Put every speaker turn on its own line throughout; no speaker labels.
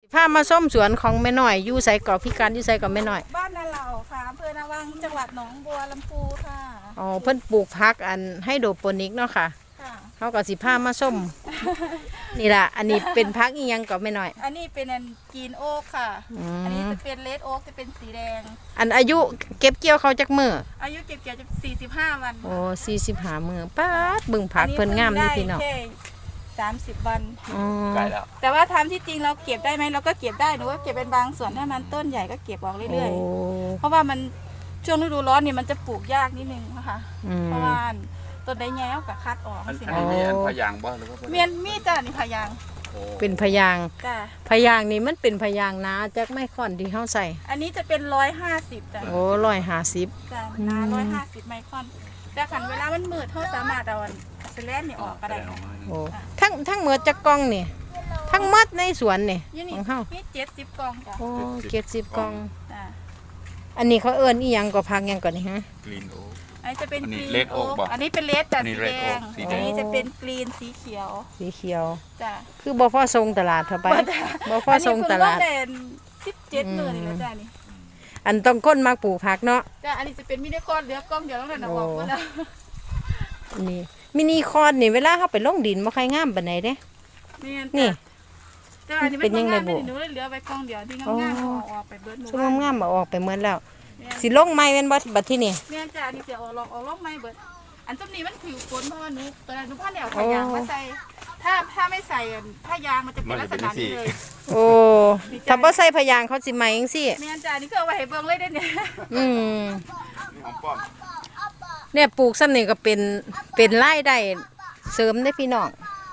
พามาส้มสวนของแม่น้อยอยู่ไสเกาะพิการอยู่ไสเกาะแม่น้อย
บ้านนาเหล่าค่ะอำเภอนาวังจังหวัดหนองบัวลำพูค่ะ
อ๋อเพิ่นปลูกผักอันให้โดโปนิกเนาะค่ะเขาก็สิพามาส้มนี่ล่ะอันนี้เป็นผักอีหยังเกาะแม่น้อย
อันนี้เป็นอันกรีนโอ๊กค่ะอันนี้จะเป็นเลดโอ๊กจะเป็นสีแดง
อันอายุเก็บเกี่ยวเขาจักมื้อ
อายุเก็บเกี่ยวจะ45 วัน
โอ้45มื้อป๊าดเบิ่งผักเพิ่นงามนี่พี่น้อง
30 วัน
ไกลแล้ว
แต่ว่าทำที่จริงเราเก็บได้ไหมเราก็เก็บได้หนูก็เก็บเป็นบางส่วนถ้ามันต้นใหญ่ก็เก็บออกเรื่อยๆเพราะว่ามันช่วงฤดูร้อนนี่มันจะปลูกยากนิดนึงนะคะเพราะว่าต้นได้แง้วกับคัดออก
อันนี้มีอันพยางบ่หรือว่า
มีจ้ะนี่พยาง
เป็นพยาง
จ้ะ
พยางนี่มันเป็นพยางนะจักไม่ค่อนที่เฮาใส่
อันนี้จะเป็น150จ้ะ
โอ้150
จ้ะนา150ไมครอนแต่ขันเวลามันมืดเฮาสามารถเอาสแลนนี่ออกก็ได้
โอ้ทั้งหมดจักกล่องนี่ทั้งหมดในสวนนี่ของเฮา
มี70 กล่องจ้ะ
โอ้70 กล่อง
จ้ะ
อันนี้เขาเอิ้นอีหยังก็ผักหยังก่อนนี่ฮะ
กรีนโอ๊ก
อันนี้จะเป็นกรีน
โอ๊ก
อันนี้เป็นเลดจ้ะสีแดงอันนี้จะเป็นกรีนสีเขียวจ้ะ
คือบ่พอส่งตลาดเท่าไปบ่พอส่งตลาด
อันนี้คือ17 มื้อนี่แหละจ้ะนี่
อันต้องก้นมักปลูกผักเนาะ
จ้ะอันนี้จะเป็นมินิคอร์ดเหลือกล้องเดียวแล้วนั่นน่ะออกหมดแล้ว
นี่มินิคอร์ดนี่เวลาเฮาไปลงดินบ่ค่อยงามปานใดเด้
นี่แต่อันนี้เป็นยังไงบ่หนูเหลือไว้กล้องเดียวที่งามๆออกไปเบิดห
มู่งามๆออกไปหมดแล้วสิลงไม้แม่นบ่บัดที่นี่
แม่นจ้ะนี่สิออกลงไม้เบิดอันซุมนี้มันผิวฝนเพราะว่าหนูตอนนั้นหนูพาแนวขายางมาใส่ถ้าไม่ใส่ถ้ายางมันจะเป็นลักษณะนี้เลย
โอ้ถ้าบ่ใส่พยางเขาสิไหมจังซี่
แม่นจ้ะนี่คือเอาไว้ให้เบิ่งเลยเด้เนี่ย
เนี่ยปลูกซ้ำนี่ก็เป็นรายได้เสริมได้พี่น้อง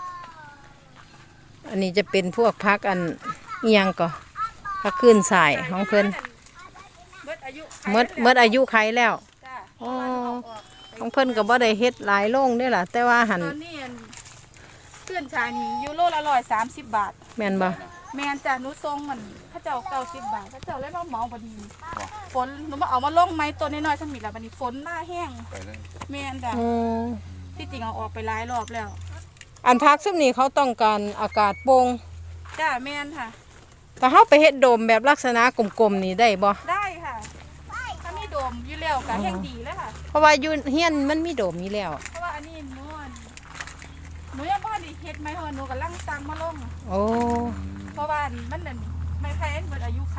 อันนี้จะเป็นพวกผักอันอีหยังก็ผักขึ้นสายของเพิ่นเมื่ออายุไขแล้วอ๋อของเพิ่นก็บ่ได้เฮ็ดหลายโรงเด้ล่ะแต่ว่าหั่น
ตอนนี้ขึ้นชายนี่ยูโรละ130 บาท
แม่นบ่
แม่นจ้ะหนูส่งมันเขาเจ้า90 บาทเขาเจ้าเลยมาเหมาบ่ดีฝนหนูมาเอามาลงไม้ต้นน้อยๆซั่นนี่ล่ะบัดนี้ฝนหน้าแห้งแม่นจ้ะที่จริงเอาออกไปหลายรอบแล้ว
อันพักซุมนี้เขาต้องการอากาศโปร่ง
จ้ะแม่นค่ะ
แต่เฮาไปเฮ็ดโดมแบบลักษณะกลมๆนี่ได้บ่
ได้ค่ะถ้ามีโดมอยู่แล้วก็แห้งดีเลยค่ะ
เพราะว่าอยู่เฮียนมันมีโดมอยู่แล้ว
เพราะว่าอันนี้หนูยังบ่ได้เฮ็ดไม้หนูกำลังสั่งมาลง
โอ้
เพราะว่ามันนั่นไม้ไผ่เบิดอายุไข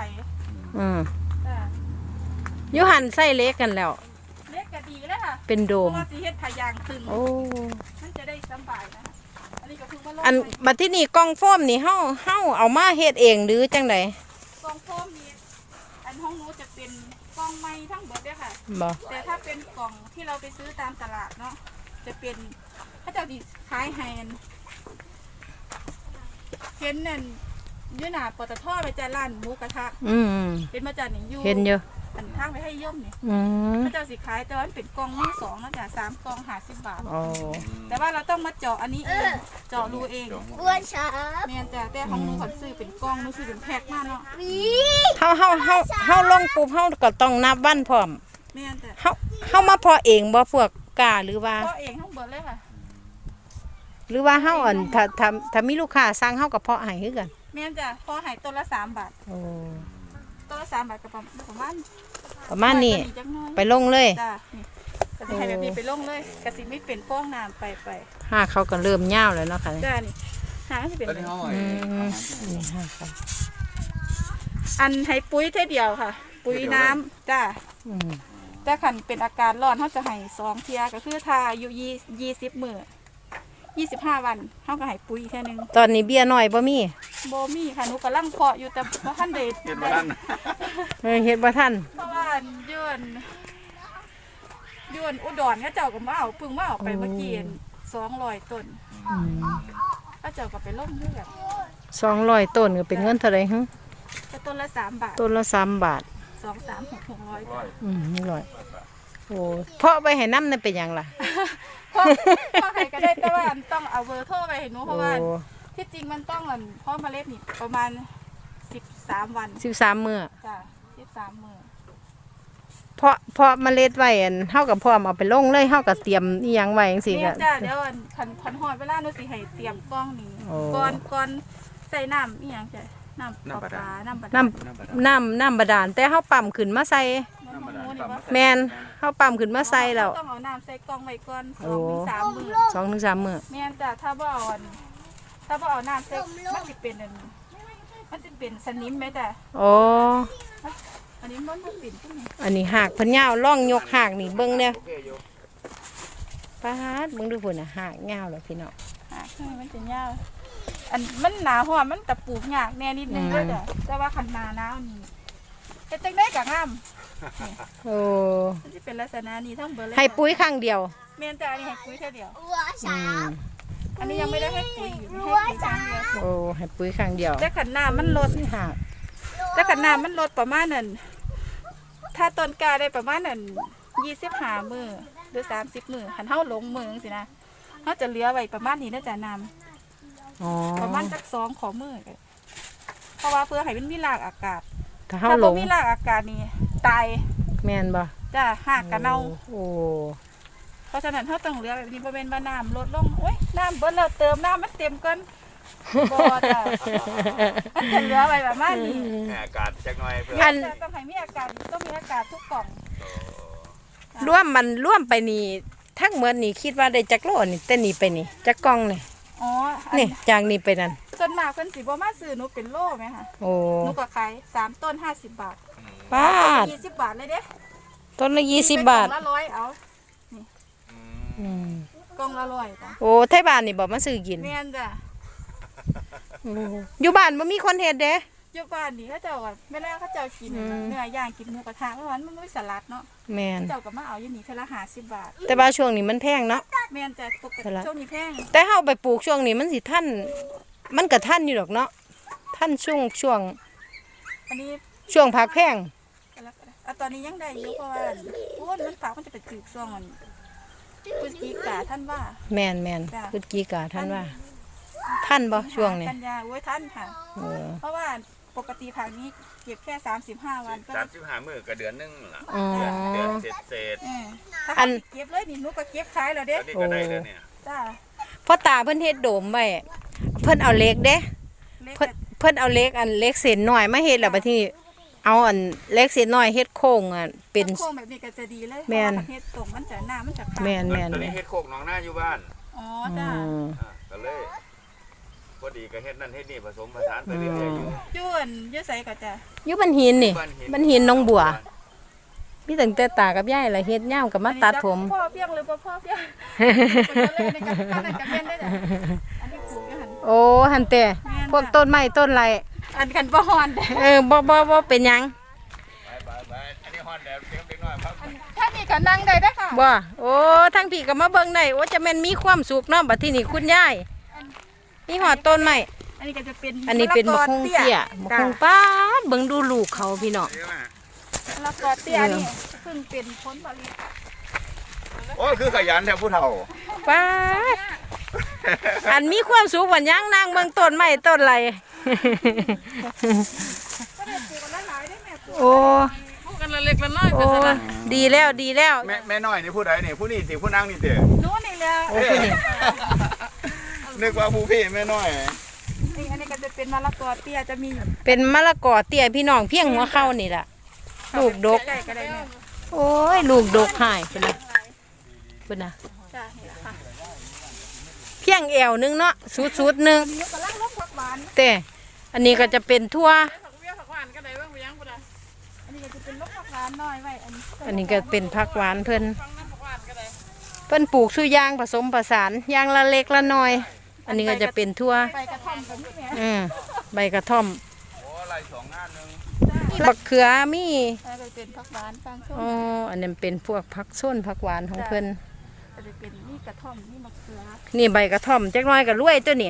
อยู่หันใส่เล็กกันแล้ว
เล็กก็ดีเลยค่ะ
เป็นโดม
เพราะว่าสิเฮ็ดพยางขึ้น
โอ้
มันจะได้สบายนะอันนี้ก็คือมาลง
อันบัดที่นี่กล่องโฟมนี่เฮาเอามาเฮ็ดเองหรือจังได๋
กล่องโฟมนี่อันห้องหนูจะเป็นกล่องไม้ทั้งเบิดเด้อค่ะแต่ถ้าเป็นกล่องที่เราไปซื้อตามตลาดเนาะจะเป็นเขาจะดีขายให้เห็นนั่นอยู่หน้าปตทไปจ้ะร้านหมูกระทะเป็นมาจากนี่อยู่
เห็นเยอะ
อันทางไปให้ย่อมนี่เขาจะสิขายแต่ว่าเป็นกล่องมือ2นะจ้ะ3 กล่อง50 บาทแต่ว่าเราต้องมาเจาะอันนี้เองเจาะรูเอง
อ้วนช้า
แม่นจ้ะแต่ของหนูขอซื้อเป็นกล่องหนูซื้อเป็นแพ็คมาเนาะ
เฮาลงปุ๊บเฮาก็ต้องนับวันพร้อม
แม่นจ้ะ
เฮามาเพาะเองบ่พวกกาหรือว่า
เพาะเองทั้งเบิดเลยค่ะ
หรือว่าเฮาอันถ้ามีลูกค้าสั่งเฮาก็เพาะให้คือกัน
แม่นจ้ะเพาะให้ต้นละ3 บาท
โอ้
ต้นละ3 บาทก็ประ
มาณนี้ไปลงเลย
จ้ะนี่ก็สิให้แบบนี้ไปลงเลยก็สิไม่เป็นฟองน้ำไป
หาเขาก็เริ่มยาวแล้วเนาะค่ะ
จ้ะนี่หาสิเป็น
นี่หาค่ะ
อันให้ปุ๋ยเท่เดียวค่ะปุ๋ยน้ำจ้ะแต่คันเป็นอาการร้อนเฮาจะให้2 เที่ยก็คือถ้าอายุ20 มื้อ25 วันเฮาก็ให้ปุ๋ยแค่นึง
ตอนนี้เบี้ยน้อยบ่มี
ค่ะหนูกำลังเพาะอยู่แต่บ่ทันได้
เฮ็ดบ่ทัน
เฮ็ดบ่ทัน
เพราะว่าย้อนอุดรเขาเจ้าก็มาเอาเพิ่งมาเอาไปเมื่อกี้200 ต้นเขาเจ้าก็ไปลงคือกัน
200 ต้นก็เป็นเงินเท่าไหร่ฮะ
ก็ต้นละ3 บาท
ต้นละ3 บาท
2 3 6 600
100โอ้เพาะไปให้น้ำนั่นเป็นหยังล่ะ
พ่อใครก็ได้แต่ว่าต้องเอาเบอร์โทรไปให้หนูเพราะว่าที่จริงมันต้องพ่อเมล็ดนี่ประมาณ13 วัน
13 มื้อ
จ้ะ13 มื้อ
เพาะเมล็ดไว้เฮากับพร้อมเอาไปลงเลยเฮาก็เตรียมอีหยังไว้จังซี่ก็
จ้ะเดี๋ยวคันฮอดเวลาหนูสิให้เตรียมกล้องนี้ก่อนใส่น้ำอีหยังจ้ะน้ำปลาน้ำบาดาล
น้ำบาดาลแต่เฮาปั๊มขึ้นมาใส่
น้ำบาดาล
แม่นเฮาปั๊มขึ้นมาใส่แล้ว
ต้องเอาน้ำใส่กล่องไว้ก่อน
โอ้
2 ถึง 3 มื้อ
2 ถึง 3 มื้อ
แม่นจ้ะถ้าบ่เอาน้ำใส่มันสิเป็นสนิมไหมจ้ะ
โอ้
อันนี้มันบ่เป็นจังได๋
อันนี้หากเพิ่นยาวล่องยกหากนี่เบิ่งเนี่ย
โอเคอยู่
ปาดเบิ่งดูพุ่นน่ะหากยาวแล้วพี่น้อง
มันจะยาวอันมันหนาร้อนมันตะปลูกยากแน่นิดนึงเด้อจ้ะแต่ว่าคันหนาหนาวนี่เฮ็ดจังได๋ก็งาม
โอ้
มันสิเป็นลักษณะนี้ทั้งเบิดเลย
ให้ปุ๋ยครั้งเดียว
แม่นจ้ะอันนี้ให้ปุ๋ยแค่เดียว
อืม
อันนี้ยังไม่ได้ให้ปุ๋ยอยู่ให้ปุ๋ยครั้งเดียว
โอ้ให้ปุ๋ยครั้งเดียว
แต่ขันน้ำมันลด
หาก
แต่ขันน้ำมันลดประมาณนั้นถ้าต้นกล้าได้ประมาณนั้น25 มื้อหรือ30 มื้อคันเฮาลงมือจังซี่นะเฮาจะเหลือไว้ประมาณนี้นะจ้ะน้ำ
อ๋อ
ประมาณจัก2ขอมื้อก็เพราะว่าเพื่อให้มันมีรากอากาศ
ถ้าเฮา
ถ้า
หล
บ่
ง
มีรากอากาศนี่ตาย
แม่นบ่
จ้ะหากกะเน่า
โอ้
เพราะฉะนั้นเฮาต้องเหลือแบบนี้บ่แม่นว่าน้ำลดลงโอ้ยน้ำเบิดแล้วเติมน้ำมันเต็มก่อนบ่จ้ะมันจะเหลือไว้ประมาณนี้
แหม่อากาศจักหน่อยเพื่อ
อัน
แต่ต้องให้มีอากาศต้องมีอากาศทุกกล่อง
ร่วมไปนี่ทั้งหมดนี่คิดว่าได้จักโลนี่แต่นี่ไปนี่จักกล่องนี่
อ๋ออั
นี่จากนี่ไปนั่น
ส่วนมากเพิ่นสิบ่มาซื้อหนูเป็นโลไหมคะ
โอ้
หนูก็ขาย3ต้น50 บาท
ป้าด
20 บาทเลยเด้
ต้นละ20 บาท
กล่องละ100เอา
อืม
กล่องละ100จ้ะ
โอ้ไทบ้านนี่บ่มาซื้อกิน
แม่นจ้ะ
โอ้อยู่บ้านบ่มีคนเฮ็ดเด้
อยู่บ้านนี่เขาเจ้าก็แม่แล้วเขาเจ้ากิน
อืม
เนื้อย่างกินหมูกระทะเมื่อวานมันมีสลัดเนาะ
แม่น
เจ้าก็มาเอาอยู่นี่เทอละ50 บาท
แต่ว่าช่วงนี้มันแพงเนาะ
แม่นจ้ะปก
สลั
ติ
ด
ช่วงนี้แพง
แต่เฮาไปปลูกช่วงนี้มันสิทันมันก็ทันอยู่ดอกเนาะทันช่วง
อันนี้
ช่วงพักแพง
ตอนนี้ยังได้อยู่เพราะว่าโอ้ยมันฝากมันจะไปจืดช่วงอันพฤศจิกาท่านว่า
แม่น
จ้ะ
พฤศจิกาทันว่าทันบ่ช่วงนี้
กันยาโอ้ยท่านค่ะ
เออ
เพราะว่าปกติผักนี้เก็บแค่35 วันก็
35 มื้อก็เดือนหนึงล่ะ
อ๋อ
เดือนเศษ
ถ้า
อัน
เก็บเลยนี่หนูก็เก็บขายแล้ว
ๆ
เด้
ตอนนี้ก็ได้แล้วเนี่ย
จ้า
พ่อตาเพิ่นเฮ็ดโดมไว้เพิ่นเอาเหล็กเด้
เล็ก
เพิ่นเอาเหล็กเหล็กเส้นน้อยมาเฮ็ดแล้วบัดนี้เอาเหล็กเส้นน้อยเฮ็ดโค้งเป็น
โค้งแบบนี้ก็จะดีเลย
แม่น
เพราะว่าประเทศตรงมันจะหน้ามันจะขาด
แม่น
ตอนนี้เฮ็ดโคกหนองนาอยู่บ้าน
อ๋อ
อื
จ้าม
ก็เลยพอดีก็เฮ็ดนั่นเฮ็ดนี่ผสมผสานไปเรื่อยๆอยู่
ย้วนยื้อใส่ก็จะ
อยู่บันหินนี่
บ้านหิน
บันหินหนองบัวมีตั้งแต่ตากับยายล่ะเฮ็ดยามก็มาตัดผม
พ่อเพียงหรือบ่พ่อเพียงเป็นในการตั้งกันเป็นได้จ้ะอันนี้ปลูกอยู่หั่น
โอ้หั่นแต่
แม่น
พวกต้นไม้ต้นไร
อันกันบ่ฮอนเด้
บ่เป็นหยัง
ไปอันนี้ฮอนแล้วเด็กน้อยครับ
ถ้ามีก็นั่งได้เด้อค่ะ
บ่โอ้ทั้งพี่ก็มาเบิ่งได้โอ้จะแม่นมีความสุขเนาะบัดทีนี้คุณยายมีหอดต้นไม้
อันนี้ก็จะเป็น
อันนี้เป็นมะคงเตี้ยมะคงป้าดเบิ่งดูลูกเขาพี่น้อง
แล้วก็เตี้ยนี่เพิ่งเป็นผลผลิต
โอ้คือขยันแท้ผู้เฒ่า
ป้าดอันมีความสุขวันยังนั่งเบิ่งต้นไม้ต้นไร
ก็ได้ปลูกกันหลายๆได้แม่ปลูก
โอ้
ปลูกกันละเล็กละน้อย
โอ้ดีแล้วดีแล้ว
แม่น้อยนี่ผู้ใดนี่ผู้นี่สิผู้นางนี่เด้อ
นู้นนี่แหละ
โอ้ผู้นี่
นึกว่าผู้พี่แม่น้อย
นี่อันนี้ก็จะเป็นมะละกอเตี้ยจะมีอยู่
เป็นมะละกอเตี้ยพี่น้องเพียงหัวเข้านี่ล่ะลูกดก
ใหญ่ก็ได้แม่
โอ้ยลูกดกหายเพิ่นน่ะเพิ่นน่ะ
จ้านี่แหละค่ะ
เพียงแอวหนึงเนาะสุดๆหนึง
นี่ก็ลังลบผักหวาน
แต่อันนี้ก็จะเป็นทั่ว
ผักเบี้ยผักหวานก็ได้เบิ่งไปยังบ่ได้อันนี้ก็จะเป็นลบผักหวานน้อยไว้อันนี้
อันนี้ก็เป็นผักหวานเพิ่น
ฟังน้ำผักหวานก็ได้
เพิ่นปลูกสุยางผสมผสานยางละเล็กละน้อย อันนี้ก็จะเป็นทั่ว
ใบกระท่อมกับนี่แม่
ใบกระท่อม
โอ้ไล่สองงานหนึง
บักเขือมี
อันนี้ก็เป็นผักหวานฟังส้
อ๋อ
ม
อันนั้นเป็นพวกผักส้นผักหวานของเพิ่น
ก็จะเป็นนี่กระท่อมนี่มะเขือ
นี่ใบกระท่อมจักหน้อยก็รวยตัวนี่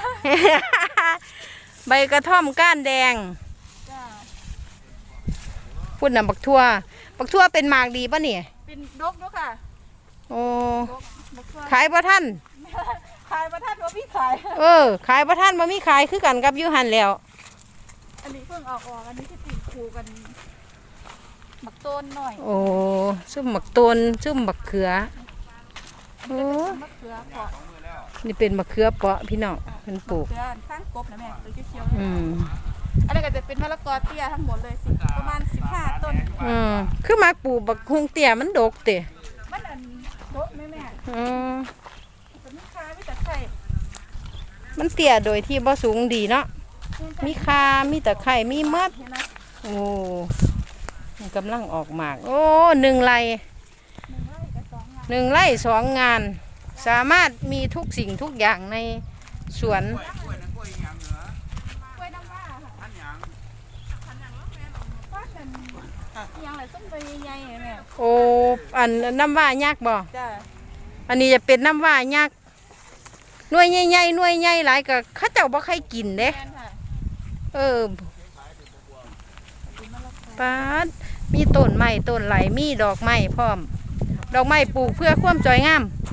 ใบกระท่อมก้านแดง
จ้า
พูดน่ะบักทั่วเป็นหมากดีป่ะนี่
เป็นดกด้วยค่ะ
โอ้
ดกบักทั่ว
ขายบ่ทัน
ขายประทัดว่าพี่ขาย
ขายบ่ทันบ่มีขายคือกันกับอยู่หันแล้ว
อันนี้เพิ่งออกอันนี้ที่ติดคูกันหมักต้นหน่อย
โอ้ซุ่มบักตนซุ่มบักเขือ
อันนี้ก็เป็นมะเขือเปาะ
นี่เป็นมะเขือเปาะพี่น้องเพิ่นปลูก
เขือข้างกบนะแม่ตัวเขียว
อืม
อันนี้ก็จะเป็นมะละกอเตี้ยทั้งหมดเลยประมาณ15 ต้น
คือมักปลูกบักฮุงเตี้ยมันดกติ
มันอันโดะแม่
อืม
เป็นลูกค้าไม่แต่ไข่
มันเตี้ยโดยที่บ่สูงดีเนาะมีคามีตะไคร้มีมด
เห็นไหม
โอ้มันกำลังออกหมากโอ้1 ไร่
1 ไร่กับ 2 งาน
1 ไร่ 2 งาน สามารถมีทุกสิ่งทุกอย่างในสวน
กล้วยน้ำว้าค่ะว่ากันยังไรส้มใบใหญ่ๆแม่
โอ้อันน้ำว่ายักษ์บ่
จ้า
อันนี้จะเป็นน้ำว่ายักษ์หน่วยใหญ่ๆหน่วยใหญ่หลายก็เขาเจ้าบ่ใครกินเด้
แม่นค่ะ
ปาดมีต้นไม้ต้นไหลมีดอกไม้พร้อม ดอกไม้ปลูกเพื่อความสวยงาม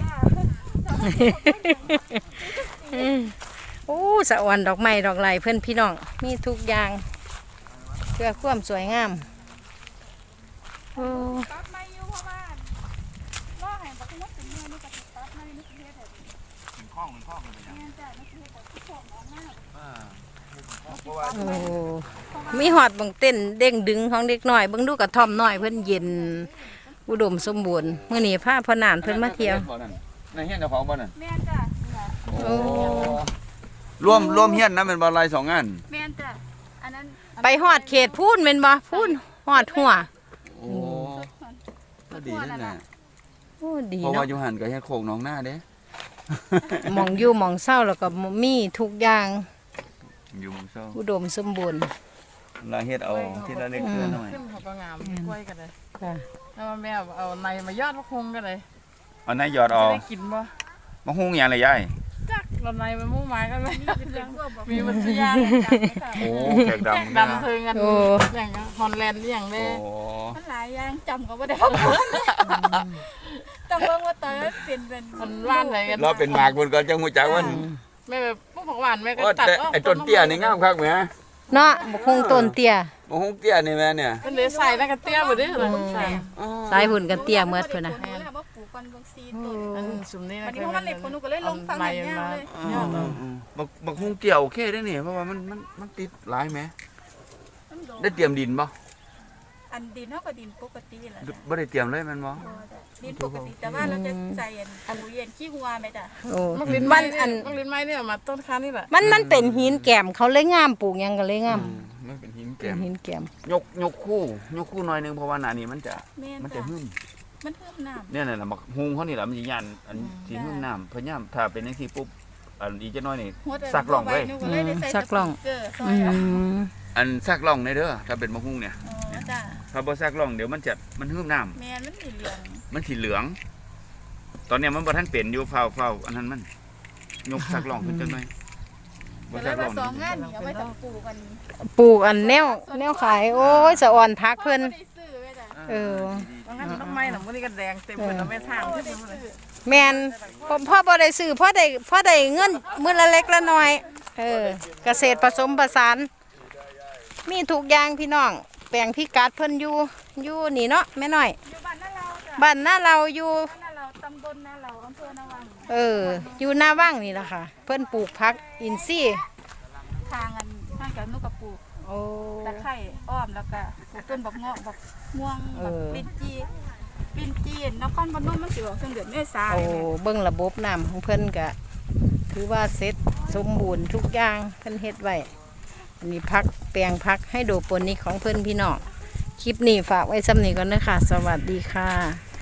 โอ้สะออนดอกไม้ดอกไหลเพื่อนพี่น้องมีทุกอย่างเพื่อความสวยงามโอ้
ตัดไม้อยู่เพราะว่าล่อแห่งบักมดเป็นเนื้อนี่ก็ติดตัดไม้นี่คือเฮ็ดให้
เป็นข้องเลยนะ
แม่นจ้านี่คือเฮ็ดให้ทุกคนออกมา
เพราะว่า
โอ้มีหอดบังเต้นเด้งดึงของเด็กน้อยเบิ่งดูกระท่อมน้อยเพิ่นเย็นอุดมสมบูรณ์มื้อนี้พาพ่อน่านเพิ่นมาเที่ยว
ในเฮียนเจ้าของบ่นั่น
แม่นจ้านี่ล่ะ
โอ้
ร่วมเฮียนนะเป็นบ่ลาย2 งาน
แม่นจ้าอันนั้น
ไปหอดเขตพูนแม่นบ่พูนหอดหัว
โอ้ก็ดีนั่นน่ะ
โอ้ดี
เพราะว่า
เนาะ
อยู่หันก็เฮ็ดโคกหนองหน้าเด้
หมองอยู่หมองเศร้าแล้วก็มีทุกอย่าง
อยู่หมู่เซา
อุดมสมบูรณ์
ลาเฮ็ดเอาทีละเล็กทีละน้อย
ขึ้นเขาก็งามกล้วยกันเลย
ค่ะ
แล้วแม่เอาในมายอดมะคงกันเลย
เอานายยอด
จะ
เอา
ได้กินบ่
มาหุงหยังเลยยาย
จักเราในมันมุ่งหมายกันไหม
เป็นพวกบอก
มีวัตถุยาง
โอ้แขกดำ
ดำเทิงกันอย่างฮอลแลนด์อย่าง
โอ้
เด้
มันหลายอย่างจำก็บ่ได้เพราะจำเบิ่งว่าตอนนั้นเป็น
มันว่านไหนกัน
เราเป็นหมากเพิ่นก็จังฮู้จักว่า
แม่แบบพวกผักหวานแม่ก็
โอ้
ตัด
แต่
ออก
ไอ้ต้นเตี้ยนี่งามคักแหม
เนาะบกคงต้นเตี้ย
บ่หุงเตี้ยนี่แม่เนี่ย
เป็นเลยใส่แล้วก็เตี้ยบ่ได้เลยใส่
สายหุ่นกันเตี้ยเมื่อพุ่นน่ะ
แม่นว่าปลูกกันเบิ่งซีต้น
อันสุ่มนี้
วันนี้เพราะมันเล็กคนหนูก็เลยลงฟังแบบนี้เลย
บักหุงเตี้ยโอเคได้นี่เพราะว่ามันติดหลายแหมได้เตรียมดินบ่
อันดินเท่ากับดินปกติแหละ
บ่ได้เตรียมเลยแม่นบ่
ดินปกติแต่ว่าเราจะใส่อันปุ๋ยเย็นขี้หัวไหมจ้ะ
โอ้
มักลิ้น
มั
ไม้
น
อั
อั
น
น
มักลิ้นไม้เนี่ยมาต้นค้านี่แหละ
มันเป็นหินแก้มเขาเลยงามปลูกหยังก็เลยงาม
มันเป็นหิน
เป็
แก้
น
ม
หินแก้ม
ยกคู่หน่อยนึงเพราะว่าหน้านี้มันจะ
แม่น
มันจะ
จ้ะ
หึ่ม
มันเพิ่มน้ำ
เนี่ยน่ะบักหุงเขานี่ล่ะมันสิย่านอันสิหึ่มน้ำเพราะย่ามถ้าเป็นจังซี่ปุ๊บอันอีกจักหน่อยนี่ ซักล่องไว้
หนูก็เลยได้ใส่เกลือซอย
อันซักล่องในเด้อถ้าเป็นบักหุงเนี่ย
อ๋อจ้ะ
ถ้าบ่ซักล่องเดี๋ยวมันหึ่มน้ำ
แม่นมันสีเหลือง
มันสิเหลือง ตอนเนี้ยมันบ่ทันเป็นอยู่เฝ้าอันนั้นมันยกซักล่องขึ้นจังหน่อยบ่
ก็เล
ซั
ย
กล่
มา
อง
สองงานนี่เอาไว้ทำปลูกกัน
ปลูกอันแนวขายโอ้ยสะอ่อนพักเพิ่น
ได้ซื้อไว้จ้ะ
เออ
บางครั้งต้นไม้หนังพวกนี้ก็แดงเต็มหมดแล้วแม่ทางขึ้นมาเลย
แม่นพ่อบ่ได้ซื้อพ่อได้เงินมื้อละเล็กละน้อยเกษตรผสมผสาน มีทุกอย่างพี่น้องแปลงพิกัดเพิ่นอยู่นี่เนาะแม่น้อย
อยู่บ้านนั่นเราจ้ะ
บ้านหน้าเราอยู่
บ้านนั่นเราตำบลนั่นเราอำเภอนาวัง
อยู่หน้าว่างนี่แหละค่ะ เพิ่นปลูกผักอินทรีย์
ทางอันทางกับนุกกระปลูก
โอ้
ตะไคร้อ้อมแล้วก็ปลูกต้นบักเงาะบักม่วงบักลิ้นจีนนครพนมมันสิออกช่วงเดือนเมษายน
โอ้เบิ่งระบบน้ำของเพิ่นก็ถือว่าเสร็จสมบูรณ์ทุกอย่างเพิ่นเฮ็ดไว้อันนี้พักแปลงพักให้โดโปนิกของเพิ่นพี่น้องคลิปนี้ฝากไว้ซ้ำนี้ก่อนนะคะสวัสดีค่ะ